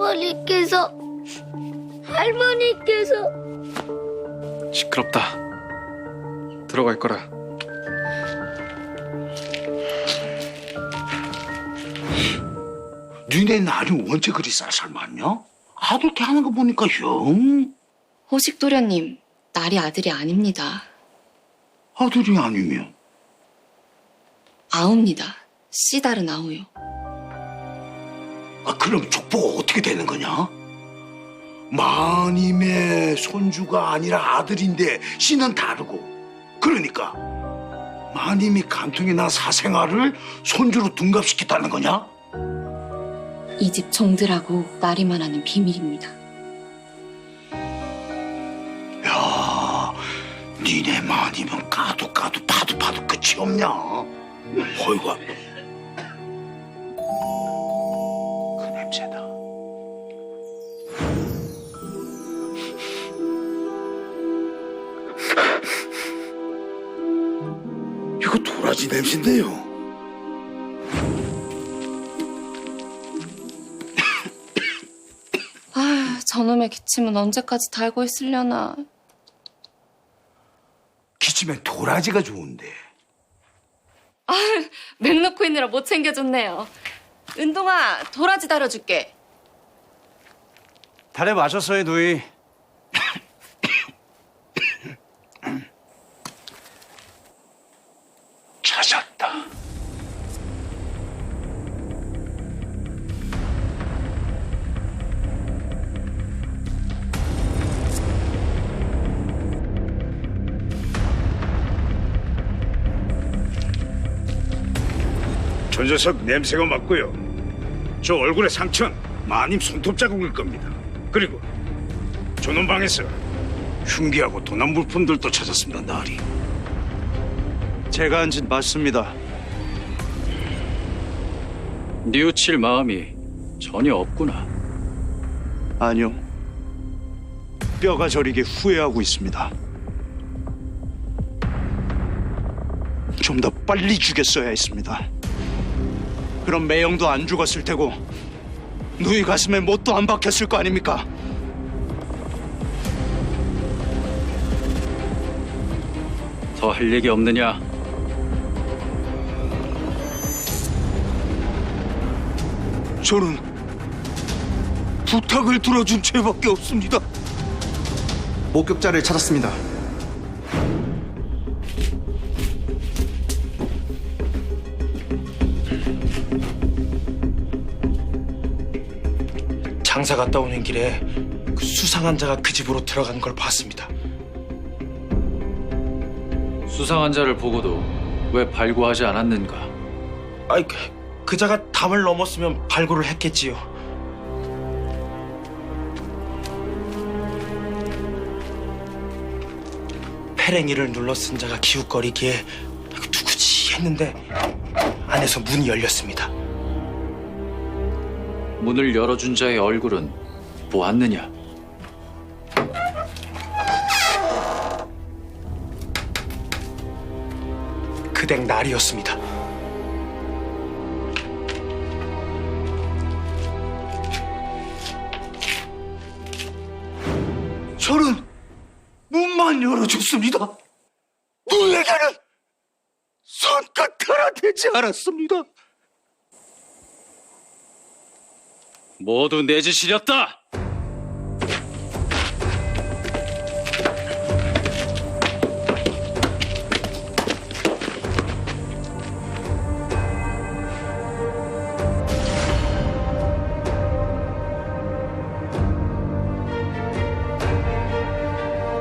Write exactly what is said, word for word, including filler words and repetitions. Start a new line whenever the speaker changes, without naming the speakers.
할머니께서 할머니께서
시끄럽다. 들어갈 거라.
니네 날이 언제 그리 쌀쌀 맞냐? 아들 개 하는 거 보니까 영
호식도련님, 날이 아들이 아닙니다.
아들이 아니면
아우입니다. 씨다른 아우요.
아 그럼 족보가 어떻게 되는 거냐? 마님의 손주가 아니라 아들인데 씨는 다르고 그러니까 마님이 간통이나 사생아를 손주로 둔갑시켰다는 거냐?
이 집 종들하고 나리만 하는 비밀입니다.
야, 니네 마님은 까도 까도 파도 파도 끝이 없냐? 어이구, 그 냄새다. 이거 도라지 냄새인데요.
아, 저놈의 기침은 언제까지 달고 있으려나.
기침엔 도라지가 좋은데.
맥 놓고 있느라 못 챙겨줬네요. 은동아, 도라지 달아줄게.
달에 마셨어요, 누이.
찾았다.
저 녀석 냄새가 맞고요. 저 얼굴의 상처는 마님 손톱 자국일 겁니다. 그리고 저놈 방에서 흉기하고 도난 물품들도 찾았습니다. 나리.
제가 한 짓 맞습니다. 뉘우칠 마음이 전혀 없구나. 아니요. 뼈가 저리게 후회하고 있습니다. 좀 더 빨리 죽였어야 했습니다. 그럼 매형도 안 죽었을 테고 누이 가슴에 못도 안 박혔을 거 아닙니까? 더 할 얘기 없느냐?
저는 부탁을 들어준 죄밖에 없습니다.
목격자를 찾았습니다.
장사 갔다 오는 길에 그 수상한 자가 그 집으로 들어간 걸 봤습니다.
수상한 자를 보고도 왜 발구하지 않았는가?
아이, 그, 그 자가 담을 넘었으면 발굴을 했겠지요. 페랭이를 눌러 쓴 자가 기웃거리기에 누구지 했는데 안에서 문이 열렸습니다.
문을 열어준 자의 얼굴은 보았느냐?
그댁 날이었습니다.
저는 문만 열어줬습니다. 누에게는 손끝 하나 되지 않았습니다.
모두 내 짓이었다!